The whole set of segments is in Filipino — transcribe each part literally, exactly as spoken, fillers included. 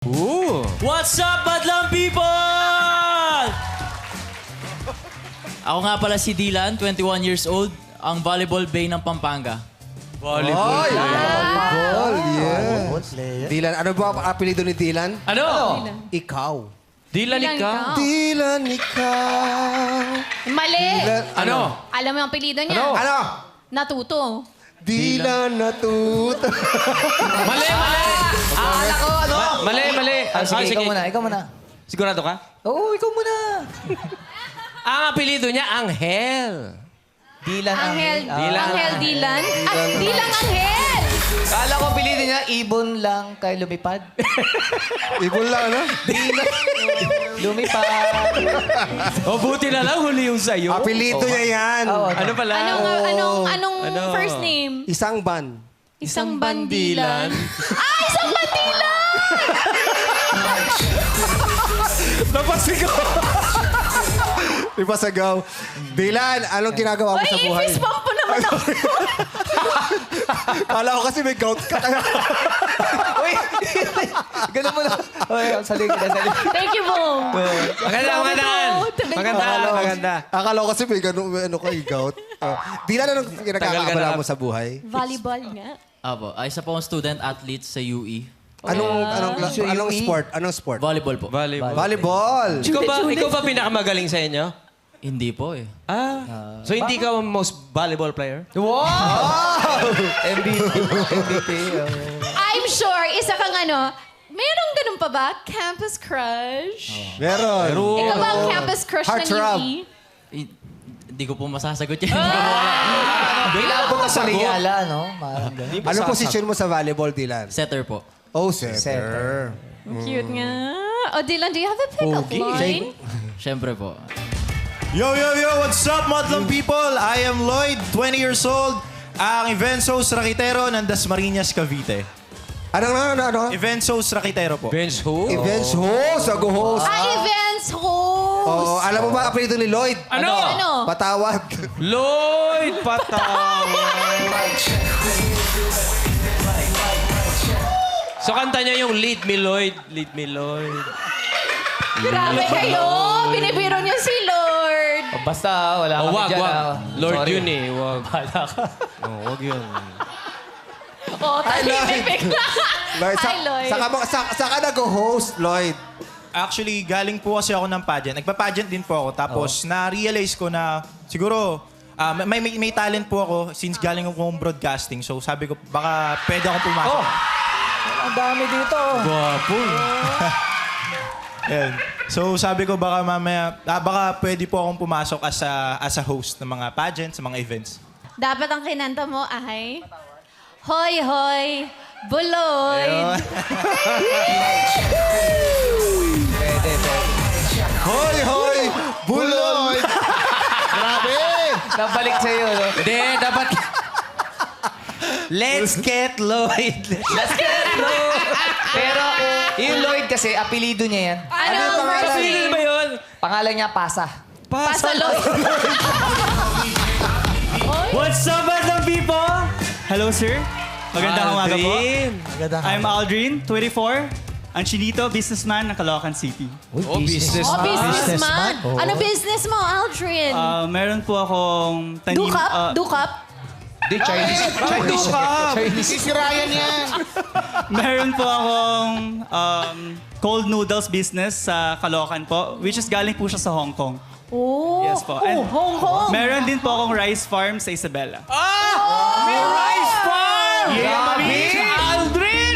Ooh. What's up, madlang people? Ako nga pala si Dylan, twenty-one years old, ang volleyball bay ng Pampanga. Volleyball. Ay, volleyball, yeah. Dylan, ano ba ang apelido ni Dylan? Ano? Ikaw. Dylan Dylan ikaw. ikaw. Dylan, ikaw. Mali. Dylan, Ano? Alam mo yung apelido niya? Ano? Ano? Natuto. Dylan natuto. Mali, mali. Akala ko, ano? Ma- mali, mali. Ah, sige, ikaw muna, ikaw muna. Sigurado ka? Oo, ikaw muna. Ang apelido niya, Angel. Dilan Angel. Dylan. Angel Dylan. Ah, Dylan Angel. Akala ko pilitin niya, ibon lang kay lumipad. Ibon lang, ano? Lumipad. O, buti na lang huli yung sa'yo. Apelido niya yan. Oo, Ano pala? Anong, anong, anong Ano? first name? Isang ban. Isang bandilan. Ah, isang bandilan! Napasigaw. Ipasagaw. Dylan, anong ginagawa mo sa Ay, buhay? i-fist bump po naman ako. Kala ko kasi may gout ka kaya. Uy, ganun mo na. Uy, salig na, salig. Thank you, Bong. Maganda, maganda. Maganda, maganda. Akala ko kasi may gano'n, may ano ka, may gout. Uh, Dylan, anong Tagal ka ginagawa na. mo sa buhay? Volleyball nga. Apo, ay isa po akong student athlete sa U E. Anong, anong, So, anong yung- sport? Anong sport? Volleyball po. Volleyball. Volleyball. Ikaw ba, ikaw ba pinakamagaling sa inyo? Hindi po eh. Ah. So, hindi ka most volleyball player? Wow! M V P. M V P. oh. I'm sure, isa kang ano, merong ganun pa ba? Campus crush? Meron. Ikaw ba ang campus crush ng Heartthrob. U E? Eh, Hindi ko po masasagot yan. Kailangan ko sa Riala, no? Parang ganun. Anong posisyon mo sa volleyball, Dylan? Setter po. Oh, setter. Setter. Cute nga. Oh, Dylan, do you have a pick-up line? Siyempre po. Yo, yo, yo! What's up, Madlang people? I am Lloyd, twenty years old, ang events host Rakitero ng Dasmariñas, Cavite. Anong, ano, ano, ano? Events host Rakitero po. Bench who? Events host, ako-host. Ah, events host. Oh, alam mo ba ang apelido ni Lloyd? Ano? Ano? Patawad. Lloyd Patawad. So, kanta niya yung Lead Me, Lloyd. Lead Me, Lloyd. Grabe kayo. Binibiro niyo si Lord. Oh, basta, wala Oh, kami wag, dyan. wag. ah. Lord Sorry. yun eh. Wag. Bahala ka. Oh, wag yun. Oh, tahimik bigla. Lloyd, sa, Hi, Lloyd. Saka, mo- sa, saka nag-host, Lloyd. Actually, galing po kasi ako ng pageant. Nagpa-pageant din po ako. Tapos, na-realize ko na siguro, ah, may, may, may talent po ako since galing akong broadcasting. So, sabi ko, baka pwede akong pumasok. Oh! Ang dami dito. Gwapo. Ayan. So, sabi ko, baka mamaya, ah, baka pwede po akong pumasok as a, as a host ng mga pageants, sa mga events. Dapat ang kinanta mo ay, Hoy, hoy, Buloy. Pwede, pwede. Hoy, hoy! Buloy! Grabe! Nabalik sa'yo, no? Hindi, dapat... Let's get Lloyd. Let's get Lloyd! Pero, yung Lloyd kasi, apelido niya yan. Ano Ano yung ang pangalan? first Sino name? ba yun? Pangalan niya, Pasa. Pasa Lloyd. What's up, madlang people? Hello, sir. Magandang umaga po. Aldrin. I'm Aldrin, twenty-four. Ang chinito, businessman ng Caloocan City. Oh, business. Oh, businessman. Ano business mo, Aldrin? Uh, meron po akong tanim... Dukap? uh, Dukap? Di, Chinese. Chinese. Chinese. meron po akong um, cold noodles business sa Caloocan po, which is galing po siya sa Hong Kong. Oh, Yes po. Oh, And Hong Kong. Meron din po akong rice farm sa Isabela. Ah! May rice farm! Grabe! Aldrin!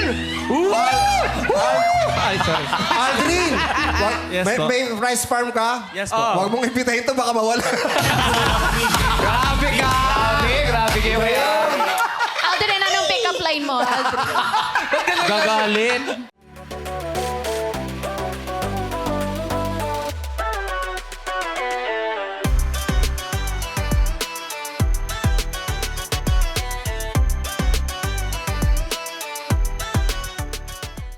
Ay, sorry. Aldrin! Wag, Yes may, po. may rice farm ka? Yes po. Huwag mong ipitahin to, baka mawala. Grabe ka! Grabe, grabe kayo ngayon. Aldrin, anong pick-up line mo, Aldrin? Gagalit.